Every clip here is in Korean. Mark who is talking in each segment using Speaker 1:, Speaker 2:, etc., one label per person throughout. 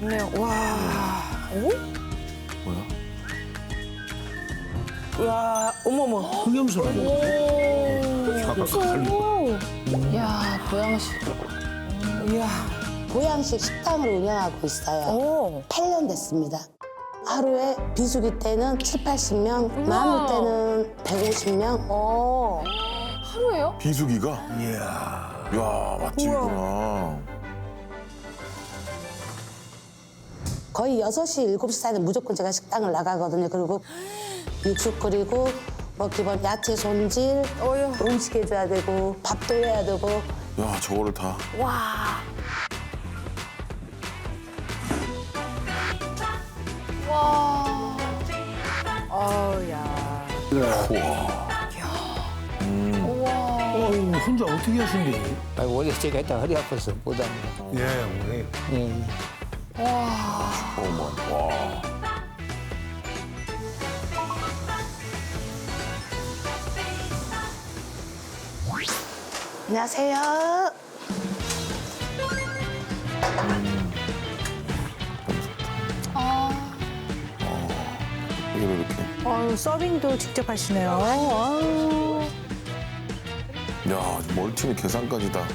Speaker 1: 좋네요. 와. 오?
Speaker 2: 뭐야?
Speaker 1: 와, 어머머.
Speaker 3: 흑염소라고.
Speaker 4: 야, 보양식.
Speaker 1: 이야.
Speaker 5: 보양식 식당을 운영하고 있어요.
Speaker 1: 오.
Speaker 5: 8년 됐습니다. 하루에 비수기 때는 7, 80명, 많을 때는 150명.
Speaker 1: 어.
Speaker 4: 하루에요?
Speaker 2: 비수기가?
Speaker 3: 이야.
Speaker 2: 야 맛집이구나.
Speaker 5: 거의 6시, 7시 사이에 무조건 제가 식당을 나가거든요. 그리고 육수 끓이고 뭐 기본 야채 손질,
Speaker 1: 어휴.
Speaker 5: 음식 해줘야 되고 밥도 해야 되고.
Speaker 2: 야 저거를 다.
Speaker 1: 와.
Speaker 4: 와.
Speaker 1: 어우, 야.
Speaker 4: 우와.
Speaker 3: 혼자 어떻게 하신대?
Speaker 6: 아니, 원래 제가 일단 허리 아파서 못하는 거.
Speaker 3: 예, 오래.
Speaker 6: 예.
Speaker 2: 어머 와.
Speaker 5: 안녕하세요.
Speaker 2: 이게 왜 이렇게?
Speaker 1: 아유, 서빙도 직접 하시네요. 아유.
Speaker 2: 야 멀티는 계산까지 다.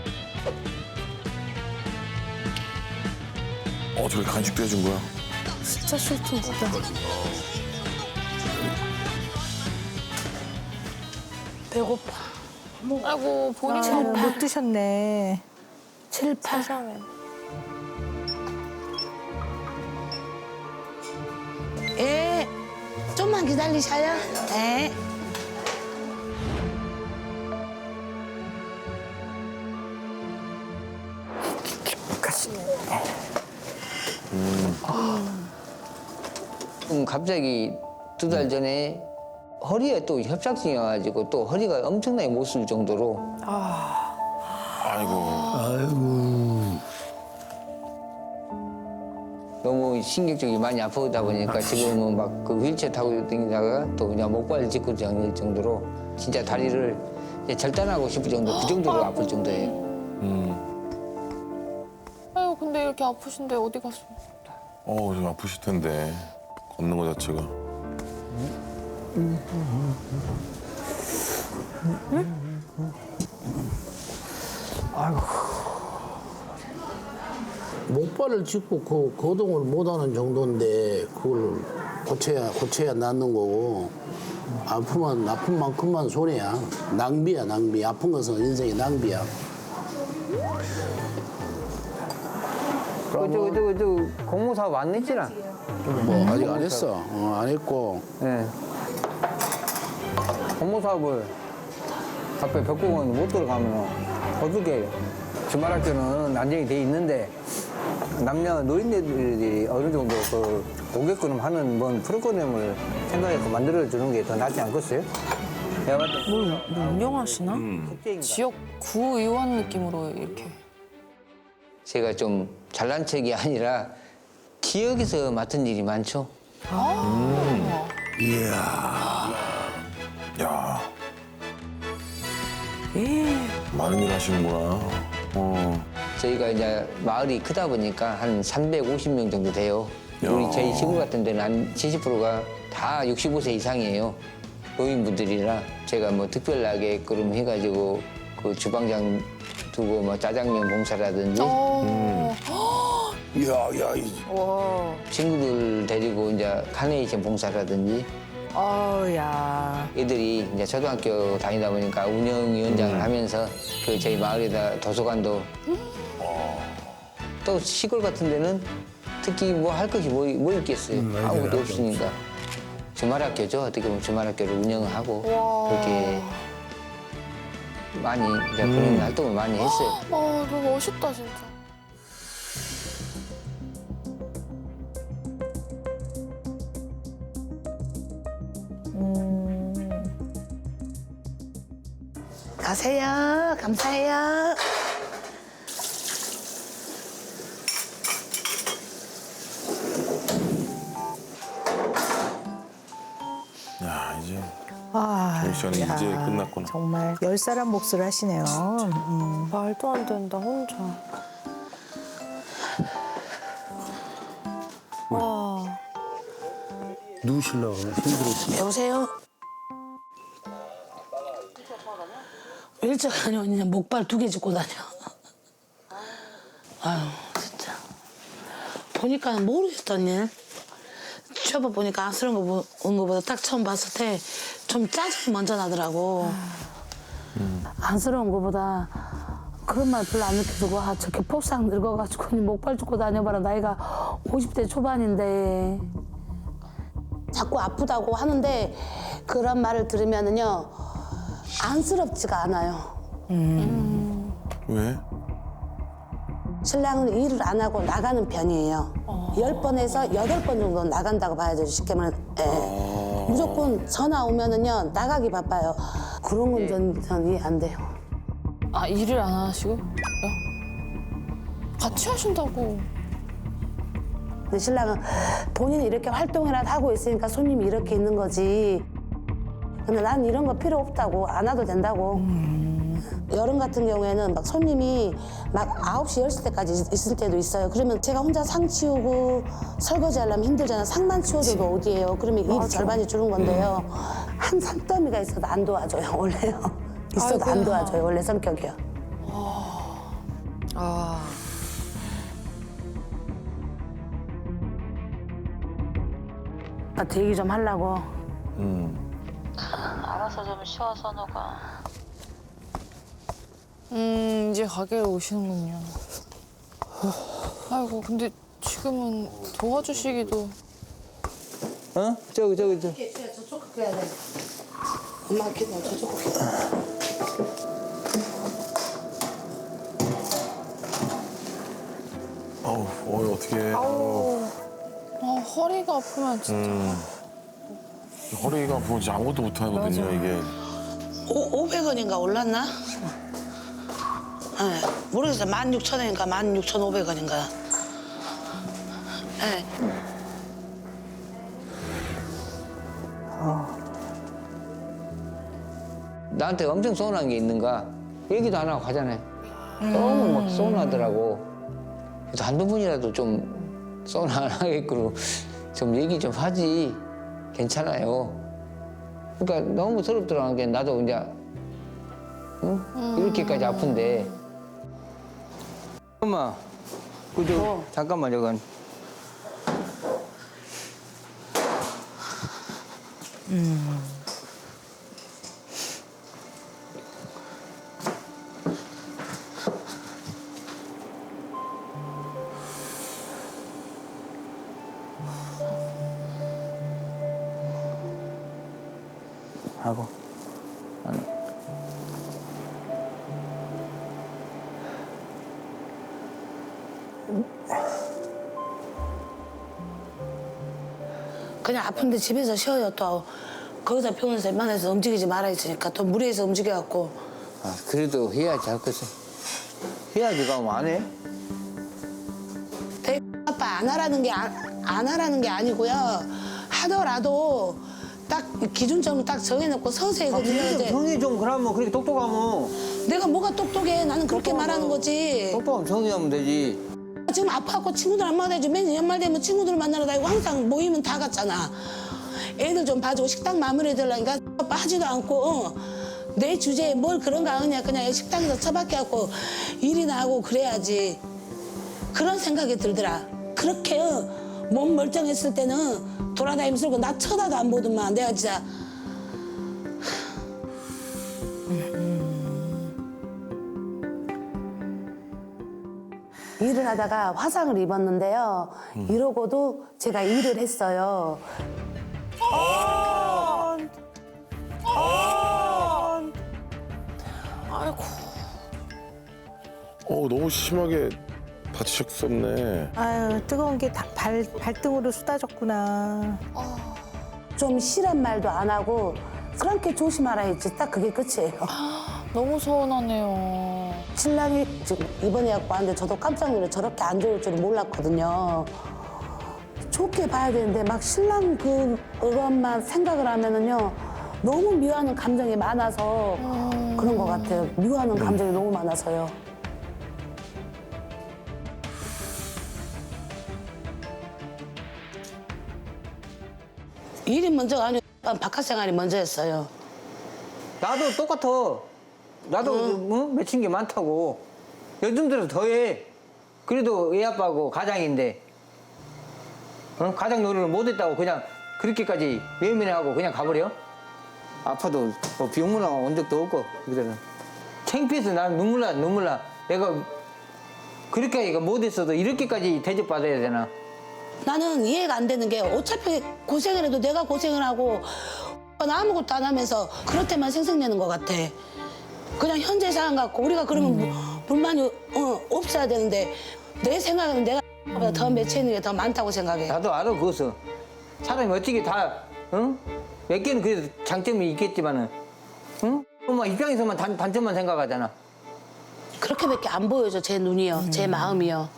Speaker 2: 저기 간식도 해준 거야?
Speaker 1: 진짜 술통이다. 배고파.
Speaker 4: 아이고, 본인
Speaker 1: 못 드셨네.
Speaker 5: 7, 8.
Speaker 4: 세상에.
Speaker 5: 예. 좀만 기다리셔요. 네.
Speaker 6: 갑자기 2달 전에 허리에 또 협착증이 와가지고 또 허리가 엄청나게 못 쓸 정도로
Speaker 2: 아이고.
Speaker 3: 아이고.
Speaker 6: 너무 신경적이 많이 아프다 보니까 지금은 막 그 휠체어 타고 다니다가 또 그냥 목발 짚고 다닐 정도로 진짜 다리를 이제 절단하고 싶을 정도, 그 정도로 아플 정도예요.
Speaker 4: 아유, 근데 이렇게 아프신데 어디 갔어?
Speaker 2: 좀 아프실 텐데 걷는 거 자체가.
Speaker 7: 목발을 짚고 그 거동을 못하는 정도인데 그걸 고쳐야 낫는 거고 아프면 아픈 만큼만 손해야. 낭비야 낭비. 아픈 것은 인생의 낭비야.
Speaker 6: 저 공무사업 안 냈지나?
Speaker 7: 뭐 아직 안 했어. 안 했고
Speaker 6: 예. 공무사업을 앞에 벽공원 못 들어가면 어떻게 해요? 주말학교는 안정이 돼 있는데 남녀 노인네들이 어느 정도 그 오게끔 하는 뭔 프로그램을 생각해서 만들어주는 게 더 낫지 않겠어요? 내가 봤을 때
Speaker 1: 운영하시나?
Speaker 6: 국제인가?
Speaker 4: 지역 구의원 느낌으로 이렇게.
Speaker 6: 제가 좀 잘난 척이 아니라 기억에서 맡은 일이 많죠.
Speaker 3: 이야.
Speaker 2: 야. 많은 일 하시는구나.
Speaker 6: 저희가 이제 마을이 크다 보니까 한 350명 정도 돼요.
Speaker 2: 야.
Speaker 6: 우리 저희 시골 같은 데는 한 70%가 다 65세 이상이에요. 노인분들이라 제가 뭐 특별하게 그럼 해가지고 그 주방장 두고 뭐 짜장면 봉사라든지
Speaker 3: 야,
Speaker 1: 와.
Speaker 6: 친구들 데리고 이제 카네이션 봉사라든지
Speaker 1: 어우, 야.
Speaker 6: 애들이 이제 초등학교 다니다 보니까 운영위원장을 하면서 그 저희 마을에다 도서관도 또 시골 같은 데는 특히 뭐 할 것이 뭐 있겠어요. 아무것도 없으니까 주말학교죠. 어떻게 보면 주말학교를 운영하고 그렇게 많이 이제 그런 활동을 많이 했어요.
Speaker 4: 아, 너무 멋있다, 진짜.
Speaker 5: 가세요. 감사해요.
Speaker 2: 야 이제
Speaker 1: 아,
Speaker 2: 조희 씨는
Speaker 1: 야,
Speaker 2: 이제 끝났구나.
Speaker 1: 정말 10사람 몫을 하시네요.
Speaker 4: 말도 안 된다, 혼자.
Speaker 3: 누우시려고 힘들었지.
Speaker 5: 여보세요? 일찍 다녀. 그냥 목발 2개 짚고 다녀. 아유, 진짜. 보니까 모르겠더니. 취업을 보니까 안쓰러운 거보다 딱 처음 봤을 때 좀 짜증이 먼저 나더라고. 안쓰러운 거보다 그런 말 별로 안 느껴지고, 아, 저렇게 폭삭 늙어가지고 목발 짚고 다녀봐라. 나이가 50대 초반인데. 자꾸 아프다고 하는데 그런 말을 들으면은요, 안쓰럽지가 않아요.
Speaker 2: 왜?
Speaker 5: 신랑은 일을 안 하고 나가는 편이에요. 10번에서 8번 정도 나간다고 봐야죠, 쉽게 말해. 예. 무조건 전화 오면은요, 나가기 바빠요. 그런 건 전 이해 안 돼요.
Speaker 4: 아, 일을 안 하시고? 요 같이 하신다고.
Speaker 5: 근데 신랑은 본인이 이렇게 활동이라도 하고 있으니까 손님이 이렇게 있는 거지. 근데 난 이런 거 필요 없다고, 안 와도 된다고. 여름 같은 경우에는 막 손님이 막 9시, 10시 때까지 있을 때도 있어요. 그러면 제가 혼자 상 치우고 설거지 하려면 힘들잖아요. 상만 치워줘도 어디예요. 그러면 일이 절반이 줄은 건데요. 한 산더미가 있어도 안 도와줘요, 원래요. 있어도 안
Speaker 4: 아이고야.
Speaker 5: 도와줘요, 원래 성격이요. 아빠 얘기 좀 하려고.
Speaker 8: 알아서 좀 쉬어, 선우가.
Speaker 4: 이제 가게에 오시는군요. 아이고, 근데 지금은 도와주시기도.
Speaker 6: 어? 저기.
Speaker 5: 저쪽 끓여야 돼. 엄마 기다려, 저쪽 끓여.
Speaker 2: 어우, 어떻게?
Speaker 4: 아, 허리가 아프면 진짜.
Speaker 2: 허리가 아프면 진짜 아무것도 못 하거든요, 이게.
Speaker 5: 500원인가 올랐나? 네, 모르겠어요. 16,000원인가 16,500원인가. 네.
Speaker 6: 나한테 엄청 서운한 게 있는가? 얘기도 안 하고 가잖아요. 너무 막 서운하더라고. 그래서 한두 번이라도 좀 서운 안 하게끔 좀 얘기 좀 하지. 괜찮아요. 그러니까 너무 서럽더라는 게 나도 이제 응? 이렇게까지 아픈데. 엄마, 그저 잠깐만 저건. 하고.
Speaker 5: 그냥 아픈데 집에서 쉬어요. 또 거기서 병원에서 웬만해서 움직이지 말아 있으니까 또 무리해서 움직여갖고.
Speaker 6: 아, 그래도 해야지 할 것을. 해야지 가면 안 해?
Speaker 5: 아빠 안 하라는 게 아니고요. 하더라도 딱 기준점을 딱 정해놓고 서서히 해거든요.
Speaker 6: 정이 좀 그러면 그렇게 똑똑하면
Speaker 5: 내가 뭐가 똑똑해. 나는 그렇게 말하는 거지.
Speaker 6: 똑똑하면 정의하면 되지.
Speaker 5: 지금 아파갖고 친구들 안 만나야지. 맨날 연말 되면 친구들 만나러 다니고 항상 모이면 다 갔잖아. 애들 좀 봐주고 식당 마무리 해달라니까 하지도 않고 내 주제에 뭘 그런 거 하느냐. 그냥 식당에서 처박혀갖고 일이나 하고 그래야지. 그런 생각이 들더라. 그렇게 몸 멀쩡했을 때는 돌아다니면서 그러고 나 쳐다도 안 보더만. 내가 진짜 일을 하다가 화상을 입었는데요. 이러고도 제가 일을 했어요.
Speaker 4: 아이고.
Speaker 2: 너무 심하게 다치셨었네.
Speaker 1: 아유, 뜨거운 게 발등으로 쏟아졌구나.
Speaker 5: 좀 실한 말도 안 하고 그렇게 조심하라 했지. 딱 그게 끝이에요.
Speaker 4: 너무 서운하네요.
Speaker 5: 신랑이 지금 입원해갖고 왔는데 저도 깜짝 놀래. 저렇게 안 좋을 줄은 몰랐거든요. 좋게 봐야 되는데 막 신랑 그것만 생각을 하면은요 너무 미워하는 감정이 많아서 그런 것 같아요. 미워하는 감정이 너무 많아서요. 일이 먼저가 아니고 바깥 생활이 먼저였어요.
Speaker 6: 나도 똑같아. 나도 맺힌 게 많다고. 요즘 들어 더해. 그래도 애 아빠고 가장인데 가장 노릇을 못했다고 그냥 그렇게까지 외면하고 그냥 가버려? 아파도 뭐 병문안 온 적도 없고 그들은 창피해서 난 눈물 나. 내가 그렇게 못했어도 이렇게까지 대접받아야 되나?
Speaker 5: 나는 이해가 안 되는 게 어차피 고생을 해도 내가 고생을 하고 나 아무것도 안 하면서 그럴 때만 생색내는 것 같아. 그냥 현재 상황 갖고 우리가 그러면 불만이 없어야 되는데 내 생각에는 내가 보다 더 맺히는 게 더 많다고 생각해.
Speaker 6: 나도 알아 그것은. 사람이 어떻게 다 몇 개는 그래도 장점이 있겠지만은 엄마 입장에서만 단점만 생각하잖아.
Speaker 5: 그렇게밖에 안 보여줘 제 눈이요, 제 마음이요.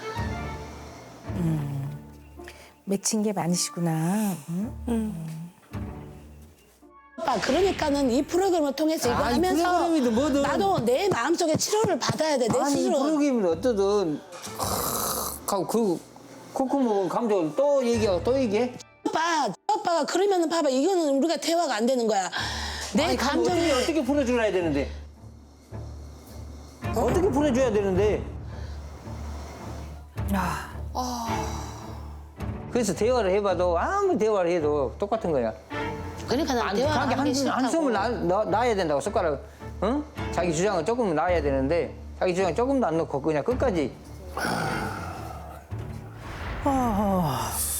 Speaker 1: 맺힌 게 많으시구나.
Speaker 5: 오빠 그러니까는 이 프로그램을 통해서 이거
Speaker 6: 아니,
Speaker 5: 하면서
Speaker 6: 프로그램이든 뭐든.
Speaker 5: 나도 내 마음속에 치료를 받아야 돼. 내
Speaker 6: 아니
Speaker 5: 스스로.
Speaker 6: 프로그램은 어떠든 하고 그 코코모 감정을 또 얘기하고 또 얘기해.
Speaker 5: 오빠가 그러면은 봐봐 이거는 우리가 대화가 안 되는 거야. 내
Speaker 6: 아니,
Speaker 5: 감정이
Speaker 6: 어떻게 풀어줘야 되는데? 어떻게 풀어줘야 되는데? 그래서 대화를 해봐도 아무리 대화를 해도 똑같은 거야.
Speaker 5: 그러니까 난
Speaker 6: 안,
Speaker 5: 대화를
Speaker 6: 자기
Speaker 5: 하기 싫다고.
Speaker 6: 한숨을 놔야 된다고 숟가락. 자기 주장을 조금 놔야 되는데 자기 주장 조금도 안 넣고 그냥 끝까지.
Speaker 1: 아,